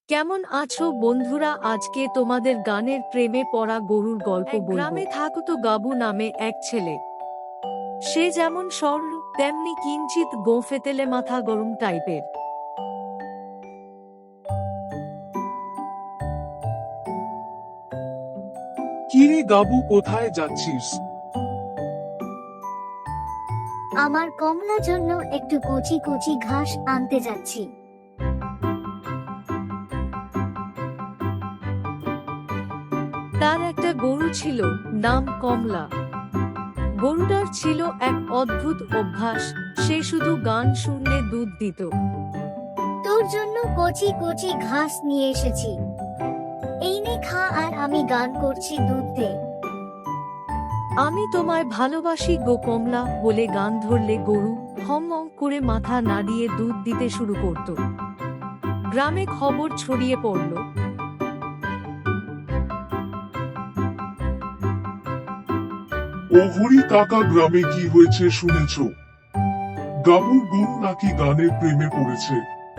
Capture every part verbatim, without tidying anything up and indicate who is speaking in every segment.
Speaker 1: কেমন আছো বন্ধুরা? আজকে তোমাদের গানের প্রেমে পড়া গরুর গল্প বলবো। গ্রামে থাকতো গাবু নামে এক ছেলে। সে যেমন সরল তেমনি কিঞ্চিত গোঁফেতেলে মাথা গরম টাইপের।
Speaker 2: কিরে গাবু, কোথায় যাচ্ছিস?
Speaker 3: আমার কমলা জন্য একটু কচি কচি ঘাস আনতে যাচ্ছি।
Speaker 1: তার একটা গরু ছিল, নাম কমলা। গরুটার ছিল এক অদ্ভুত অভ্যাস, সে শুধু গান শুনলে দুধ দিত।
Speaker 3: তোর জন্য কচি কচি ঘাস নিয়ে এসেছি, এই নে খা, আর আমি গান করছি, দুধ দে।
Speaker 1: আমি তোমায় ভালোবাসি গো কমলা বলে গান ধরলে গরু হম হম করে মাথা নাড়িয়ে দুধ দিতে শুরু করত। গ্রামে খবর ছড়িয়ে পড়ল।
Speaker 2: ও হরি কাকা, গ্রামে কি হয়েছে শুনেছ? গাবুর গরু নাকি গানের প্রেমে পড়েছে।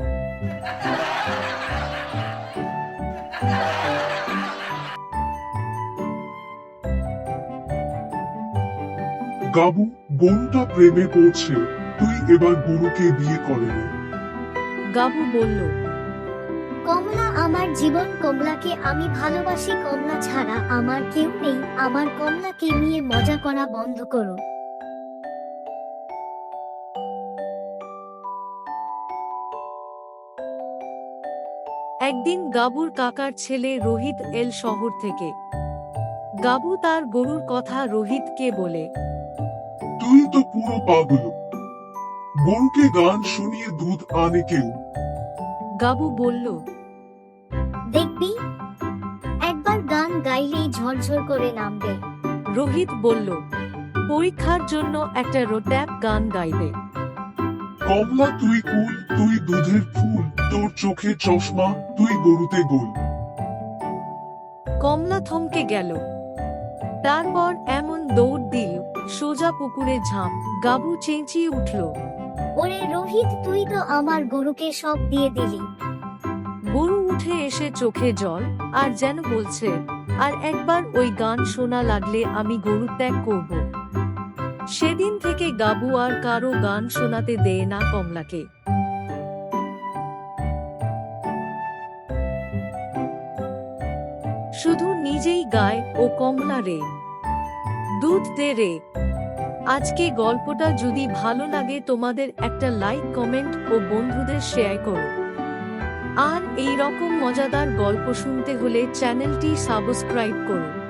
Speaker 2: গাবু, গরুটা প্রেমে পড়ছে, তুই এবার গরুকে বিয়ে করে নে।
Speaker 1: গাবু বলল,
Speaker 3: কমলা আমার জীবন, কমলাকে আমি ভালোবাসি, কমলা ছাড়া আমার কেউ নেই, আমার কমলাকে নিয়ে মজা করা বন্ধ করো।
Speaker 1: একদিন গাবুর কাকার ছেলে রোহিত এল শহর থেকে। গাবু তার গরুর কথা রোহিতকে বলে,
Speaker 2: তুই তো পুরো পাগল, গরুকে গান শুনিয়ে দুধ আনে কেউ।
Speaker 1: গাবু বলল,
Speaker 3: দেখবি একবার গান গাইলেই ঝরঝর করে নামবে।
Speaker 1: রোহিত বলল, পরীক্ষার জন্য একটা রোট্যাপ গান গাইবে।
Speaker 2: কমলা তুই কুল, তুই দুধের ফুল, তোর চোখে চশমা, তুই গরুতে গোল।
Speaker 1: কমলা থমকে গেল। তারপর এমন দৌড় দিল, সোজা পুকুরে ঝাঁপ। গাবু চেঁচিয়ে উঠল,
Speaker 3: ওরে রোহিত, তুই তো আমার গরুকে সব দিয়ে দিলি।
Speaker 1: গরু উঠে এসে চোখে জল, আর যেন বলছে, আর একবার ওই গান শোনা লাগলে আমি গরু ত্যাগ করব। সেদিন থেকে গাবু আর কারো গান শোনাতে দেয় না কমলাকে। শুধু নিজেই গায় ও কমলা রে, দুধ দে রে। আজকে গল্পটা যদি ভালো লাগে তোমাদের একটা লাইক, কমেন্ট ও বন্ধুদের শেয়ার করো। আর এই রকম মজাদার গল্প শুনতে হলে চ্যানেলটি সাবস্ক্রাইব করো।